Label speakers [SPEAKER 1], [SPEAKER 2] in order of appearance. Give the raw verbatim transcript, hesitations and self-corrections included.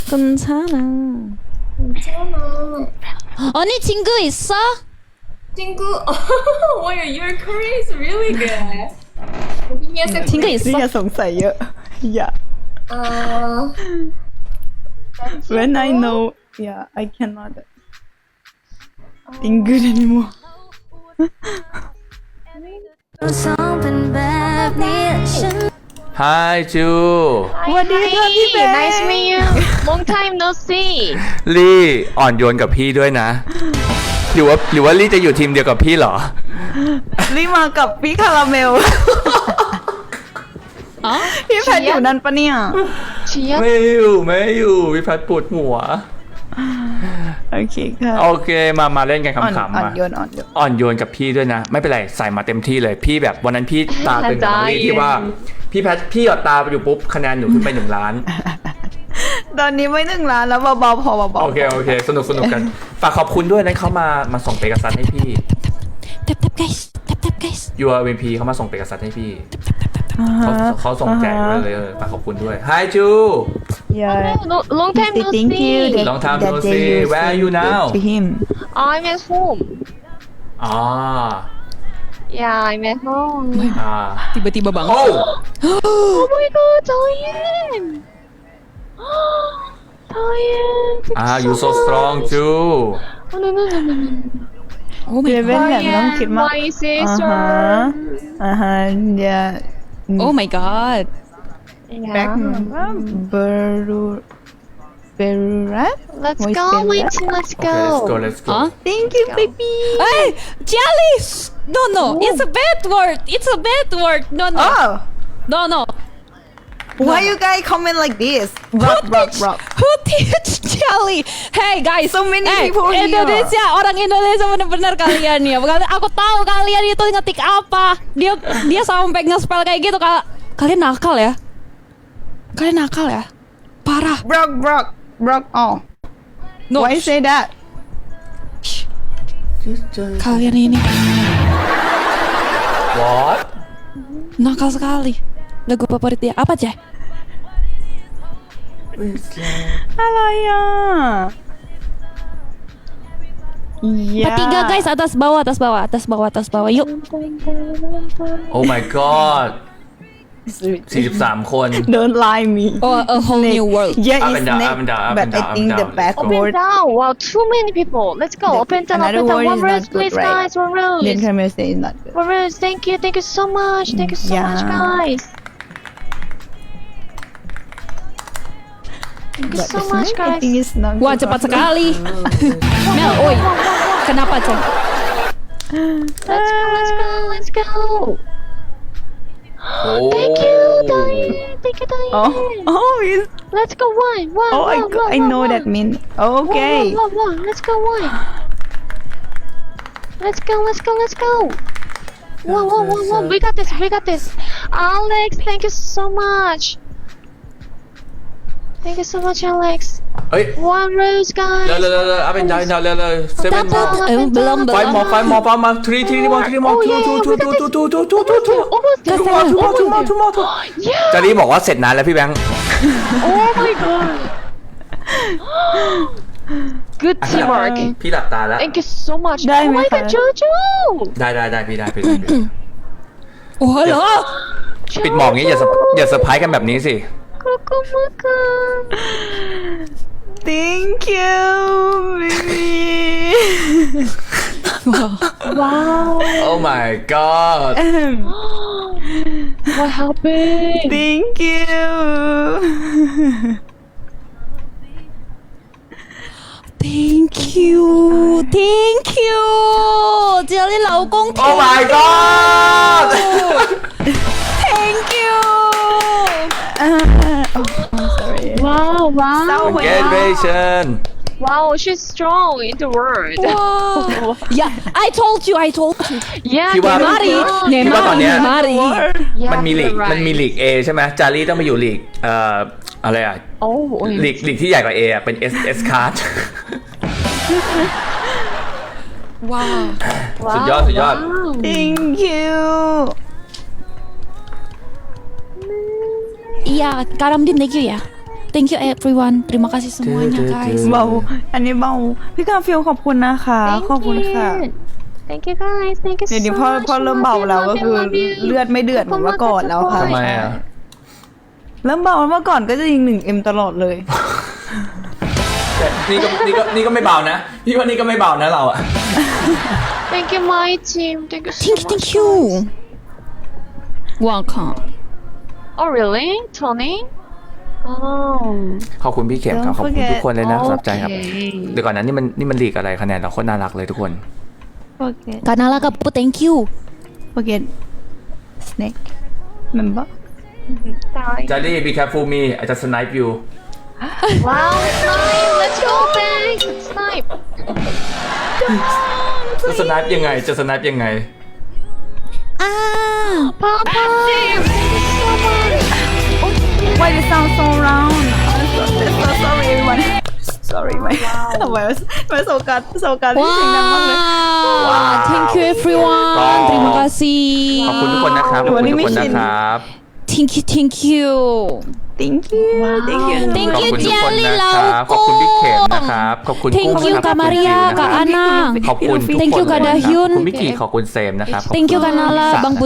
[SPEAKER 1] 괜찮아.
[SPEAKER 2] 괜찮아.
[SPEAKER 1] 언니 친구 있어?
[SPEAKER 2] 친구. Wow, your Korean is really good. Give me a
[SPEAKER 1] 친구
[SPEAKER 2] second.
[SPEAKER 1] 있어?
[SPEAKER 3] นี่อย่าสงสัยเยอะ อย่า
[SPEAKER 2] Uh,
[SPEAKER 3] when I know yeah I cannot think good anymore
[SPEAKER 4] Hi จู
[SPEAKER 3] สวัสดีค่ะพี่แบง
[SPEAKER 5] Nice to meet you. Long time no see.
[SPEAKER 4] ลี่อ่อนโยนกับพี่ด้วยนะ หรือว่าหรือว่าลี่จะอยู่ทีมเดียวกับพี่เหรอ
[SPEAKER 3] รีบมากับพี่คาราเมล
[SPEAKER 1] อ๋อ
[SPEAKER 3] พี่แพทอยู่นั่นปะเนี่ย
[SPEAKER 5] Chia.
[SPEAKER 4] ไม่อยู่ไม่อยู่พี่พัดปวดหัว
[SPEAKER 3] โอเคค่ะ
[SPEAKER 4] โอเคมามาเล่นกัน
[SPEAKER 3] อ่อน
[SPEAKER 4] ขำๆ
[SPEAKER 3] อ่อน
[SPEAKER 4] มา
[SPEAKER 3] โยนอ่อนโยน
[SPEAKER 4] อ่อนโยนกับพี่ด้วยนะ ไม่เป็นไรใส่มาเต็มที่เลยพี่แบบวันนั้นพี่ตาตึงกับน้องลี่ที่ว่า พี่แพทพี่หยอดตาไปอยู่ปุ๊บคะแนนหนูขึ้นไปหนึ่งล้าน
[SPEAKER 3] ตอนนี้ไม่หนึ่งล้านแล้วเบาๆพอเบาๆ
[SPEAKER 4] โอเคโอเคสนุกสนุกกัน ฝากขอบคุณด้วยนั้นเขามามาส่งเปกัสซัสให้พี่
[SPEAKER 1] แท็บแท็บ guys แท็บแท็บ guys
[SPEAKER 4] ยูอาร์เอ็มพีเขามาส่งเปกัสซัสให้พี่
[SPEAKER 3] อ่า
[SPEAKER 4] เขา
[SPEAKER 3] ฮะ
[SPEAKER 4] เขาส่งแจกไว้เลยเออฝากขอบคุณด้วย Hi จู
[SPEAKER 3] yeah
[SPEAKER 5] No, long time
[SPEAKER 3] say
[SPEAKER 5] no
[SPEAKER 3] thank you
[SPEAKER 5] see.
[SPEAKER 3] that,
[SPEAKER 4] Long time
[SPEAKER 3] that
[SPEAKER 4] no
[SPEAKER 3] day
[SPEAKER 4] see.
[SPEAKER 3] you
[SPEAKER 4] Where are
[SPEAKER 3] said
[SPEAKER 4] you now?
[SPEAKER 3] to him
[SPEAKER 5] I'm at home.
[SPEAKER 4] อ๋อ
[SPEAKER 5] Yeah, I'm at home.
[SPEAKER 4] อ่า
[SPEAKER 1] tiba-tiba banget
[SPEAKER 4] โอ้
[SPEAKER 5] Oh my god, Diane. Diane. thank
[SPEAKER 4] อ่า
[SPEAKER 5] you
[SPEAKER 4] you so strong จู
[SPEAKER 5] Oh no no no no no.
[SPEAKER 1] oh
[SPEAKER 3] เบ
[SPEAKER 1] my
[SPEAKER 3] เบ้น
[SPEAKER 1] god
[SPEAKER 3] แบบไม่ต้องคิดมาก
[SPEAKER 5] My
[SPEAKER 3] อ่า
[SPEAKER 5] sister.
[SPEAKER 3] ฮะอ่าฮะ yeah
[SPEAKER 1] oh my god
[SPEAKER 3] back
[SPEAKER 5] Yeah.
[SPEAKER 3] Beru Berurat
[SPEAKER 5] Let's
[SPEAKER 3] Voice
[SPEAKER 5] go,
[SPEAKER 3] Berurat
[SPEAKER 5] Wait, let's
[SPEAKER 4] โอเค let's go
[SPEAKER 5] go.
[SPEAKER 4] let's go
[SPEAKER 1] อ๋อ
[SPEAKER 3] thank you baby
[SPEAKER 1] hey jelly no no it's a bad word it's a bad word no no
[SPEAKER 3] oh
[SPEAKER 1] no no
[SPEAKER 3] why you guys comment like this rock rock rock
[SPEAKER 1] who teach jelly hey guys
[SPEAKER 3] So many
[SPEAKER 1] hey,
[SPEAKER 3] people here.
[SPEAKER 1] Indonesia orang Indonesia bener-bener kalian ya bukan aku tahu kalian itu ngetik apa dia dia sampai nge-spell kayak gitu Kal- kalian nakal ya kalian nakal ya parah
[SPEAKER 3] rock rock rock oh
[SPEAKER 1] no
[SPEAKER 3] why you say that
[SPEAKER 1] kalian ini
[SPEAKER 4] what
[SPEAKER 1] nakal sekali lagu favorit dia apa Jay?
[SPEAKER 3] อะไรอ่ะ yeah.
[SPEAKER 1] Bertiga guys atas bawah atas bawah atas bawah atas bawah yuk
[SPEAKER 4] oh my god สี่สิบสามคน
[SPEAKER 3] don't lie me
[SPEAKER 1] oh a whole new world
[SPEAKER 3] yeah
[SPEAKER 4] Up
[SPEAKER 3] it's
[SPEAKER 4] and down,
[SPEAKER 3] snake
[SPEAKER 4] up and down, up
[SPEAKER 3] but
[SPEAKER 4] and
[SPEAKER 3] I
[SPEAKER 4] down, up
[SPEAKER 3] think
[SPEAKER 4] and
[SPEAKER 3] the
[SPEAKER 4] down.
[SPEAKER 3] best
[SPEAKER 5] Up and
[SPEAKER 3] word
[SPEAKER 5] down. Wow, too many people. Let's go.
[SPEAKER 3] The-
[SPEAKER 5] Up and down, up
[SPEAKER 3] another
[SPEAKER 5] and down.
[SPEAKER 3] word
[SPEAKER 5] One
[SPEAKER 3] is not
[SPEAKER 5] rose,
[SPEAKER 3] good,
[SPEAKER 5] please,
[SPEAKER 3] right?
[SPEAKER 5] guys. One rose.
[SPEAKER 3] Then Camille say is not good
[SPEAKER 5] One rose. Thank you. Thank you so much. Thank you so much,
[SPEAKER 3] Yeah.
[SPEAKER 5] guys. Thank you
[SPEAKER 3] but
[SPEAKER 5] so
[SPEAKER 3] the
[SPEAKER 5] much,
[SPEAKER 3] snake I
[SPEAKER 5] guys.
[SPEAKER 3] think is not
[SPEAKER 1] wah
[SPEAKER 3] good
[SPEAKER 1] cepat
[SPEAKER 3] also.
[SPEAKER 1] sekali Mel oi kenapa Cong
[SPEAKER 5] Let's go. Let's go. Let's go.
[SPEAKER 4] โอ้
[SPEAKER 5] Thank you, Diane. Thank you, Diane.
[SPEAKER 3] oh oh it's
[SPEAKER 5] Let's go one. One.
[SPEAKER 3] oh I
[SPEAKER 5] one,
[SPEAKER 3] go-
[SPEAKER 5] one,
[SPEAKER 3] I
[SPEAKER 5] one,
[SPEAKER 3] know
[SPEAKER 5] one.
[SPEAKER 3] that mean
[SPEAKER 5] One,
[SPEAKER 3] okay
[SPEAKER 5] one, one, one. Let's go one. Let's go. Let's go. Let's go. One, one, one, one. We got this. We got this. Alex, thank you so much. Thank you so much, Alex.
[SPEAKER 4] เฮ้ย
[SPEAKER 5] One rose, guys.
[SPEAKER 4] เร็วเร็วเร็วเร็วเอาเป็นดาวดาวเร็วเร็ว seven
[SPEAKER 5] Up and down, up
[SPEAKER 1] Eh,
[SPEAKER 5] and
[SPEAKER 1] belum,
[SPEAKER 5] down.
[SPEAKER 4] five more five more five more three three more three more
[SPEAKER 5] Oh,
[SPEAKER 4] two
[SPEAKER 5] yeah,
[SPEAKER 4] two
[SPEAKER 5] yeah,
[SPEAKER 4] two
[SPEAKER 5] we got
[SPEAKER 4] two
[SPEAKER 5] this.
[SPEAKER 4] two two two two two two
[SPEAKER 5] Almost there.
[SPEAKER 4] two more two more two more two more two
[SPEAKER 5] Yeah.
[SPEAKER 4] จารีบอกว่าเสร็จนานแล้วพี่แบงค์
[SPEAKER 5] Oh my god. Good teamwork.
[SPEAKER 4] พี่หลับตาแล้ว
[SPEAKER 5] Thank you so much.
[SPEAKER 3] Dai,
[SPEAKER 5] Oh my
[SPEAKER 3] Mikhail.
[SPEAKER 5] god, Jojo.
[SPEAKER 4] ได้ได้ได้พี่ได้พี่ได้พี่
[SPEAKER 1] oh halo
[SPEAKER 4] ปิดหมอกงี้อย่าเซอร์อย่าเซอร์ไพรส์กันแบบนี้สิ
[SPEAKER 5] Kukumaka.
[SPEAKER 3] thank you baby
[SPEAKER 5] Wow.
[SPEAKER 4] oh my god
[SPEAKER 5] What happened?
[SPEAKER 3] thank you
[SPEAKER 1] thank you thank you Jelly 老公
[SPEAKER 4] oh my god
[SPEAKER 1] thank you
[SPEAKER 3] uh, oh I'm sorry
[SPEAKER 5] Wow, wow.
[SPEAKER 4] congratulations
[SPEAKER 5] Wow, she's strong in the world.
[SPEAKER 1] wow yeah I told you I told you
[SPEAKER 5] Yeah,
[SPEAKER 4] พี่ว่า
[SPEAKER 1] Nemari
[SPEAKER 4] พี่ว่าตอนเนี้ย
[SPEAKER 1] Nemari
[SPEAKER 5] Yeah,
[SPEAKER 4] มันมีลีก
[SPEAKER 5] you're right.
[SPEAKER 4] มันมีลีก A ใช่ไหมจารีต้องไปอยู่ลีกเอ่ออะไรอ่ะ
[SPEAKER 5] Oh,
[SPEAKER 4] ลีกลีกที่ใหญ่กว่า A อ่ะเป็น S S card
[SPEAKER 1] wow
[SPEAKER 4] สุดยอดสุดยอด
[SPEAKER 5] wow.
[SPEAKER 3] thank you
[SPEAKER 1] iya Karamdin thank you ya thank you everyone terima kasih semuanya guys
[SPEAKER 3] เบาอันนี้เบาพี่กาฟิลขอบคุณนะคะ
[SPEAKER 5] Thank
[SPEAKER 3] ขอบคุณค่ะ
[SPEAKER 5] you. Thank you guys. Thank you so
[SPEAKER 3] เดี๋ยวนี้
[SPEAKER 5] much.
[SPEAKER 3] พอพอเริ่มเบาแล้วก็คือ
[SPEAKER 5] Love you, love you.
[SPEAKER 3] เลือดไม่เดือดเหมือนเมื่อก่อนแล้วค่ะ
[SPEAKER 4] ทำไมอ่ะ
[SPEAKER 3] เริ่มเบาเมื่อก่อนก็จะยิงหนึ่งเอ็มตลอดเลย
[SPEAKER 4] แต่นี่ก็นี่ก็นี่ก็ไม่เบานะ พี่ว่านี่ก็ไม่เบานะเราอะ
[SPEAKER 5] Thank you, my team. Thank you so
[SPEAKER 1] thank you
[SPEAKER 5] much.
[SPEAKER 1] thank you welcome
[SPEAKER 5] Oh, really? Tony? Oh.
[SPEAKER 4] ขอบคุณพี่เข็มครับ
[SPEAKER 3] Don't
[SPEAKER 4] ขอบคุณ
[SPEAKER 3] forget
[SPEAKER 4] ทุกคนเลยนะสำหรับใจครับ
[SPEAKER 5] Okay.
[SPEAKER 4] เดี๋ยวก่อนนะนี่มันนี่มันลีกอะไรคะแนนเราโคตรน่ารักเลยทุกคน
[SPEAKER 3] forget
[SPEAKER 1] Kanala Kapu thank you
[SPEAKER 3] forget snake remember
[SPEAKER 5] Sorry.
[SPEAKER 4] จารี่ be careful me I just snipe you
[SPEAKER 5] Wow, snipe. Let's go back. Snipe.
[SPEAKER 4] จะสไนป์ยังไงจะสไนป์ยังไง
[SPEAKER 1] ah
[SPEAKER 5] Papa. Thank you so much.
[SPEAKER 3] why it sound so round I'm so, so sorry everyone sorry ไม่ทำไมไม่โซกัสโซกัสที่เสียงดังมากเลย
[SPEAKER 1] wow thank you everyone
[SPEAKER 4] ก็
[SPEAKER 1] terima kasih
[SPEAKER 4] ขอบคุณทุกคนนะครับขอบคุณทุกคนนะครับ
[SPEAKER 1] thank you thank you
[SPEAKER 3] thank you thank you
[SPEAKER 1] Thank
[SPEAKER 4] ขอบ
[SPEAKER 1] you
[SPEAKER 4] คุณทุกคน
[SPEAKER 1] Jelly
[SPEAKER 4] นะครับขอบคุณพี่เข็มนะครับขอบคุณ
[SPEAKER 1] Thank
[SPEAKER 4] กุ้ง
[SPEAKER 1] you
[SPEAKER 4] นะครับ
[SPEAKER 1] Kak Maria
[SPEAKER 4] ขอบคุณ
[SPEAKER 1] Kak
[SPEAKER 4] จิ๋วนะครับ
[SPEAKER 1] Anang
[SPEAKER 4] ขอบคุณทุก
[SPEAKER 1] Thank
[SPEAKER 4] คน
[SPEAKER 1] you
[SPEAKER 4] เลย
[SPEAKER 1] Kak
[SPEAKER 4] นะครับ
[SPEAKER 1] Dahyun
[SPEAKER 4] ขอบคุณมิกกี้ขอบคุณเซมนะครับ
[SPEAKER 1] thank you Kanala Bang